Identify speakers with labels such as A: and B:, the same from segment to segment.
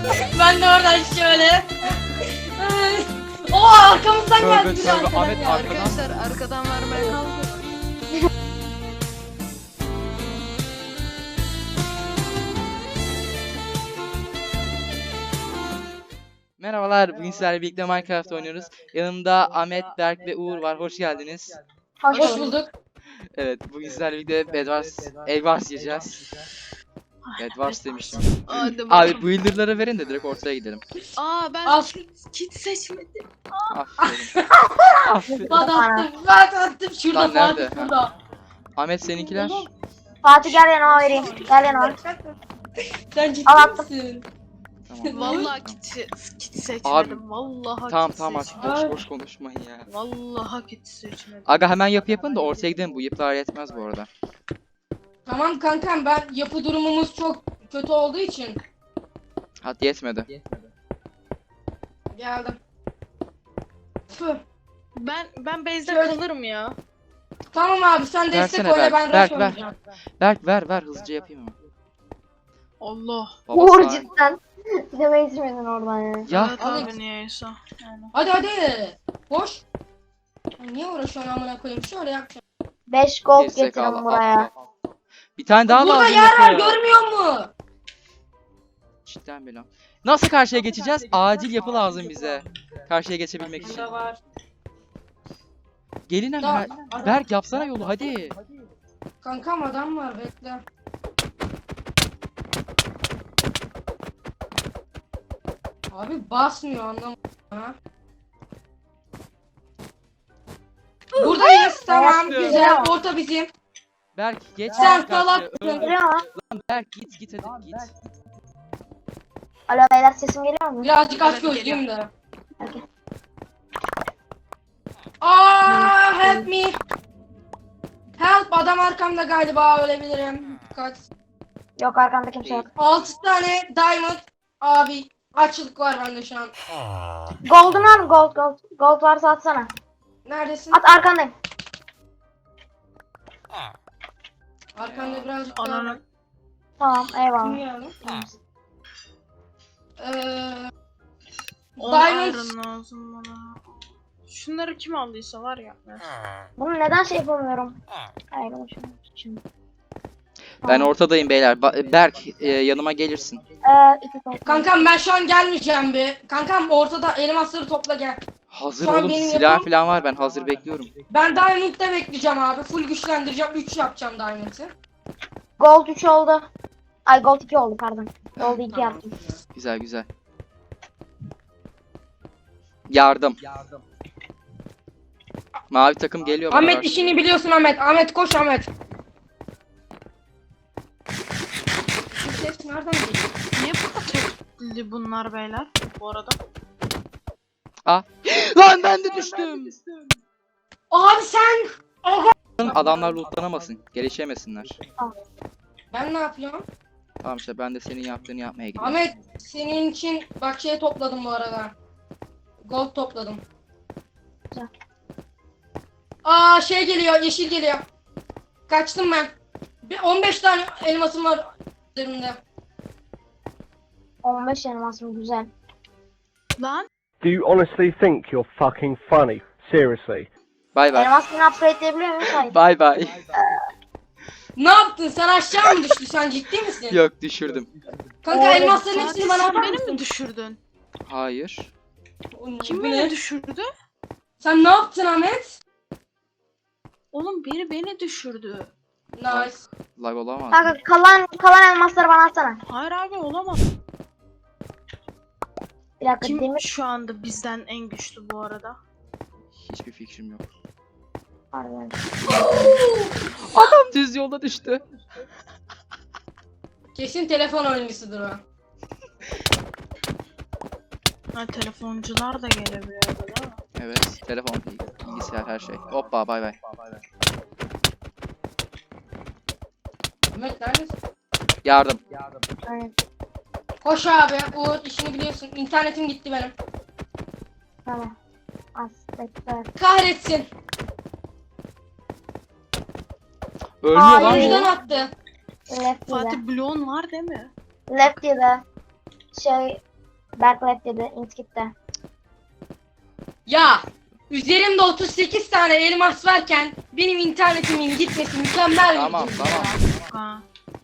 A: Ben de oradan şöyle. Oo arkamızdan geldi bir
B: Ahmet
A: arkadan.
B: arkadan.
C: Arkadaşlar arkadan vermeye kalkın.
B: Merhabalar, bugün sizlerle birlikte Minecraft oynuyoruz. Yanımda Ahmet, Berk ve Uğur var. Hoş geldiniz.
A: Hoş bulduk.
B: Evet, bugün sizlerle birlikte Bedwars yiyeceğiz. Bedwars demiştim.
C: Hadi
B: Abi
C: bakalım.
B: builder'lara verin de direkt ortaya gidelim.
C: Ben
A: Al.
C: kit seçmedim.
B: Aferin. Aferin.
A: Attım. Şurada
B: Lan nerede?
A: Fatih burada.
B: Ahmet seninkiler.
D: Fatih gel yanıma vereyim. Gel yanıma.
A: Sen ciddi
D: Al attım.
A: misin?
B: Tamam.
C: Vallahi kit seçmedim.
B: Abi,
C: Vallahi
B: Tamam
C: kit
B: tamam artık
C: seçmedim.
B: boş konuşmayın ya.
C: Vallahi kit seçmedim.
B: Aga hemen yapın da ortaya gidelim. Bu yapılar yetmez bu arada.
A: Tamam kankam ben yapı durumumuz çok kötü olduğu için
B: Hadi yetmedi.
A: geldim. Tüh.
C: Ben base'de
A: Şöyle-
C: kalırım ya.
A: Tamam abi sen destek
B: Versene
A: oyna ben
B: Berk,
A: rush
B: ver.
A: oynayacağım.
B: Berk ver hızlıca yapayım ama.
C: Allah.
B: Baba
D: Uğur
B: sağ-
D: cidden. Demeyi içmedin oradan ya.
B: Ya
C: Evet
A: Alex.
C: abi niyeyse. Yani.
A: Hadi. Koş. Ay, niye uğraşıyorsun amına koyayım? Şöyle yapacağım.
D: 5 gold
B: gerizekalı,
D: getirin buraya.
B: al. Bir tane daha
A: Burada
B: lazım
A: yer var
B: yapıya.
A: görmüyor musun?
B: Cidden bela. Nasıl karşıya geçeceğiz? Acil yapı lazım bize. Karşıya geçebilmek için.
A: Burada var.
B: Gelin hemen.
A: Adam-
B: Berk yapsana yolu hadi.
A: Kankam adam var bekle. Abi basmıyor anlamadım ha. Buradayız tamam
D: Geliyor.
A: güzel orta bizim.
B: Berk geç.
A: Sen
B: karşıya.
A: salak.
D: Geliyor mu?
B: Berk git hadi git.
D: Alo beyler sesim geliyor mu?
A: Birazcık aç
C: Evet,
A: gözlüyüm de.
D: Okey.
A: Help me. Help adam arkamda galiba ölebilirim. Kaç.
D: Yok arkamda kimse yok.
A: 6 tane diamond abi açlık var bende şu an.
D: Gold'un var mı? Gold. Gold varsa atsana.
A: Neredesin?
D: At arkandayım.
A: Arkanda birazcık daha.
C: Ananı.
D: Tamam
A: Kim
D: eyvallah.
A: geldi? Eee
C: 10
A: Diamond.
C: iron lazım bana. Şunları kim aldıysa var ya.
D: Bunu neden şey yapamıyorum? Hayır şimdi.
B: Ben ortadayım beyler. Berk yanıma gelirsin.
D: 2 gold.
A: kankam ben şu an gelmeyeceğim be. Kankam ortada elmasları topla gel.
B: Hazır
A: Şu an
B: oğlum
A: benim
B: silah
A: yapım-
B: falan var ben hazır bekliyorum.
A: Ben diamond'da bekleyeceğim abi. Full güçlendireceğim. 3 yapacağım diamond'ı.
D: Gold 3 oldu. Ay gold 2 oldu pardon. Gold 2 yaptım.
B: Güzel. Yardım. Mavi takım geliyor bana
A: Ahmet
B: karşı.
A: işini biliyorsun Ahmet. Ahmet koş Ahmet. Bu ses nereden geliyor?
C: Niye bu kadar tepkili bunlar beyler bu arada?
B: Lan ben de düştüm.
A: Abi sen.
B: Adamlar loot'lanamasın. Gelişemesinler.
A: Ben ne yapıyorum?
B: Tamam işte ben de senin yaptığını yapmaya gidiyorum.
A: Ahmet senin için bak şey topladım bu arada. Gold topladım.
D: Güzel.
A: Şey geliyor yeşil geliyor. Kaçtım ben. 15 tane elmasım var üzerimde.
D: 15 elmasım güzel.
C: Lan
E: Do you honestly think you're fucking funny? Seriously.
B: Bay bay.
D: Elmasını upgrade'leyebiliyor muyum? Hayır.
B: Bay bay.
A: Ne yaptın? Sen aşağı mı düştün? Sen ciddi misin?
B: Yok düşürdüm.
A: Kanka
D: Oğlum,
A: elmasların
C: Fatih
A: hepsini bana
C: sen
A: atar
C: beni
A: mısın?
C: mi düşürdün?
B: Hayır.
C: Kim
A: Bu
C: beni
A: ne?
C: düşürdü?
A: Sen ne yaptın Ahmet?
C: Oğlum biri beni düşürdü.
A: Nice.
B: Lag olamaz.
D: Kanka kalan elmasları bana atsana.
C: Hayır abi olamaz.
D: Bir dakika
C: Kim
D: demir
C: şu anda bizden en güçlü bu arada?
B: Hiçbir fikrim yok.
D: var yani.
B: Adam düz yolda düştü.
A: Kesin telefon oyuncusudur o.
C: Ha telefoncular da gelebiliyor değil mi?
B: Evet. Telefon, bilgisayar her şey. Hoppa bay bay.
A: Ahmet neredesin?
B: Yardım.
D: Aynen.
A: Koş abi. Uğur işini biliyorsun. İnternetim gitti benim.
D: Tamam. Az bekle.
A: Kahretsin.
B: Ölmüyor
D: Hayır.
B: lan
A: Oyuncudan
B: bu.
A: attı.
D: Lefty'de.
C: Fatih bloğun var değil mi?
D: Lefty'de. Şey Berklep dedi. Inskip'te.
A: Ya üzerimde 38 tane elmas varken benim internetimin gitmesi mükemmel bir
B: Tamam
A: durum
B: tamam.
A: ya.
C: Ha.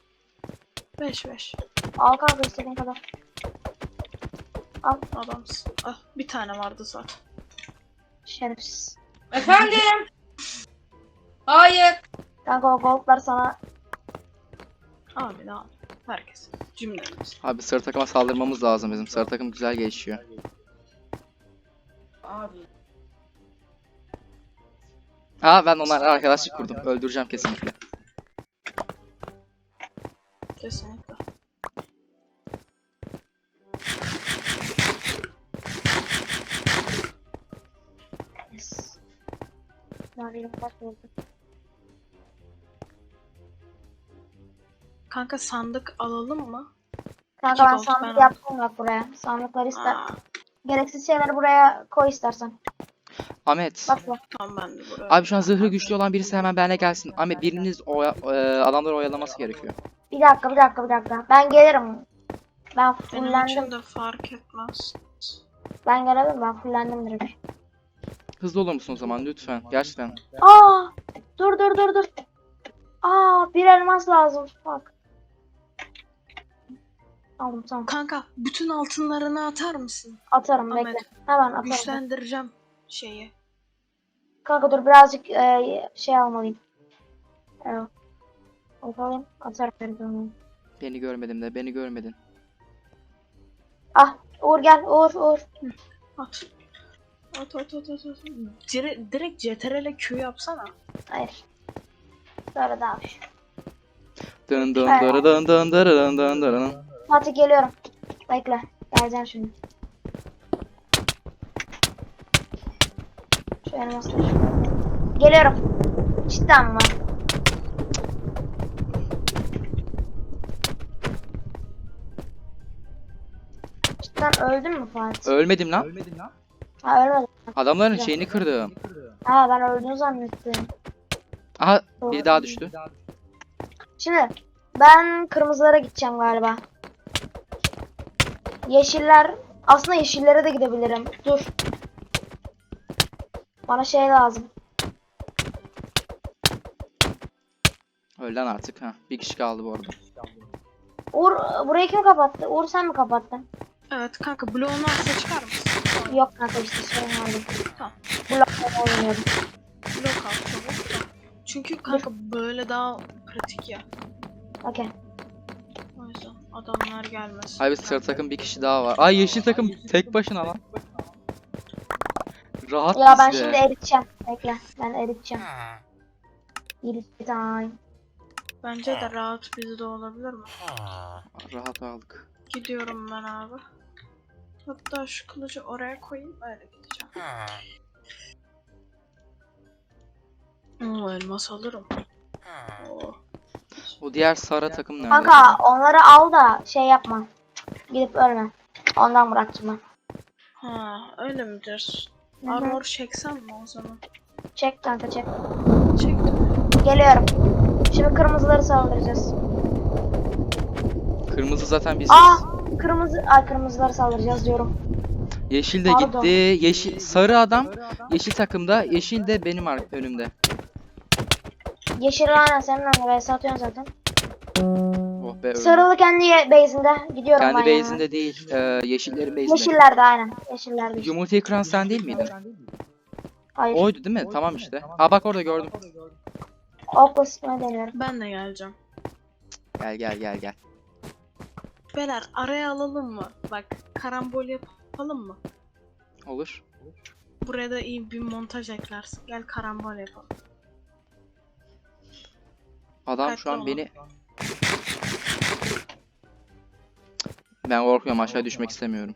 C: 5.
D: Al kanka istediğin kadar.
C: Adamsın. Ah, bir tane vardı zaten.
D: Şerefsiz.
A: Efendim? Hayır.
D: Kanka o goldlar sana.
C: Abi ne abi? Herkes. Cümlemiz.
B: Abi sarı takıma saldırmamız lazım bizim. Sarı takım güzel gelişiyor.
A: Abi.
B: Ha ben onlarla arkadaşlık kurdum. Öldüreceğim kesinlikle.
C: Kesinlikle.
D: Yes. Mavi'nin bak oldu.
C: Kanka sandık alalım mı?
D: Kanka ben
C: gold
D: sandık
C: ben-
D: yaptım bak buraya. Sandıkları ister.
C: Aa,
D: Gereksiz şeyleri buraya koy istersen.
B: Ahmet.
D: Bak bu.
C: tamam ben de buraya.
B: Abi şu an zırhı güçlü olan birisi hemen benimle gelsin. Ahmet biriniz adamları oyalaması gerekiyor.
D: Bir dakika. Ben gelirim. Ben
C: Benim
D: fullendim.
C: için de fark etmez.
D: Ben gelebilirim. Ben fullendim direkt.
B: Hızlı olur musun o zaman lütfen? Gerçekten.
D: Aa! Dur. Aa, bir elmas lazım. Bak. Aldım tamam.
C: Kanka bütün altınlarını atar mısın?
D: Atarım
C: Ahmet,
D: bekle. Hemen atarım.
C: Güçlendireceğim şeyi.
D: Kanka dur birazcık şey almalıyım. Evet. Alayım. Atarım.
B: Beni görmedin de beni görmedin.
D: Ah Uğur gel. Uğur.
C: At. At. Direkt CTRL Q yapsana.
D: Hayır. Sonra da abi.
B: Dın dın dırı dın dın dırı dın dın dırı.
D: Fatih geliyorum. Bekle. Geleceğim şimdi. Şu elmasları. Geliyorum. Cidden mi? Cidden öldün mü Fatih?
B: Ölmedim lan.
D: Ha ölmedim.
B: Adamların şeyini kırdım.
D: Ha ben öldüğünü zannettim.
B: Aha biri daha düştü.
D: Şimdi ben kırmızılara gideceğim galiba. Yeşiller. Aslında yeşillere de gidebilirim. Dur. Bana şey lazım.
B: Ölen artık ha. Bir kişi kaldı bu arada.
D: Uğur burayı kim kapattı? Uğur sen mi kapattın?
C: Evet kanka bloğunu varsa çıkar mısın?
D: Yok kanka işte sorun vardı.
C: Tamam.
D: Blokla oynuyordum.
C: Blok al çabuk da. Çünkü kanka böyle daha pratik ya.
D: Okey.
C: O yüzden adamlar gelmesin.
B: Abi sarı takım bir kişi daha var. Ay yeşil takım tek başına lan. Rahat
D: Ya ben
B: bizde.
D: şimdi eriteceğim. Bekle. Ben eriteceğim. Erit time.
C: Bence de rahat bizde olabilir mi?
B: Rahat aldık.
C: Gidiyorum ben abi. Hatta şu kılıcı oraya koyayım öyle gideceğim. Elmas alırım. Oo.
B: O diğer sarı takım nerede?
D: Kanka onları al da şey yapma. Gidip ölme. Ondan bıraktım ben.
C: Ha öyle midir?
D: Hı hı.
C: Armor çeksem mi o zaman?
D: Çek kanka çek.
C: Çektim.
D: Geliyorum. Şimdi kırmızıları saldıracağız.
B: Kırmızı zaten biziz.
D: Aa kırmızı. Ay kırmızıları saldıracağız diyorum.
B: Yeşil de
D: Pardon.
B: gitti. Yeşil sarı adam yeşil takımda. Yeşil de benim önümde.
D: Yeşil aynen senin önüne vs atıyorsun zaten.
B: Oh be öldüm.
D: Sarılı kendi base'inde. Gidiyorum
B: Kendi
D: ben
B: base'inde değil. Yeşillerin base'inde.
D: Yeşillerde aynen. Yeşillerde.
B: Yumurtayı kıran sen değil miydin?
D: Hayır.
B: Oydu değil mi? Tamam işte. Ha bak orada gördüm.
D: Okla sıkmayı deniyorum.
C: Ben de geleceğim.
B: Gel.
C: Beyler araya alalım mı? Bak karambol yapalım mı?
B: Olur.
C: Buraya da iyi bir montaj eklersin. Gel karambol yapalım.
B: Adam şu an
C: Dikkatli
B: beni... Ben korkuyorum, aşağı düşmek istemiyorum.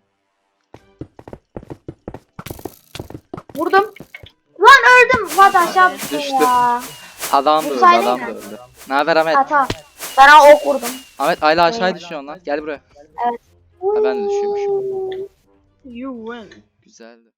D: Vurdum. Lan öldüm. Fatih aşağı düştüm
B: Düştü.
D: ya.
B: Adam da öldü,
D: Vursaydın
B: adam
D: ya.
B: da öldü. Ne haber Ahmet?
D: Ha tamam. Ben ona ok vurdum.
B: Ahmet hala aşağıya düşüyorsun lan. Gel buraya. Ha, ben de düşüyormuşum.
C: You win.
B: Güzeldi.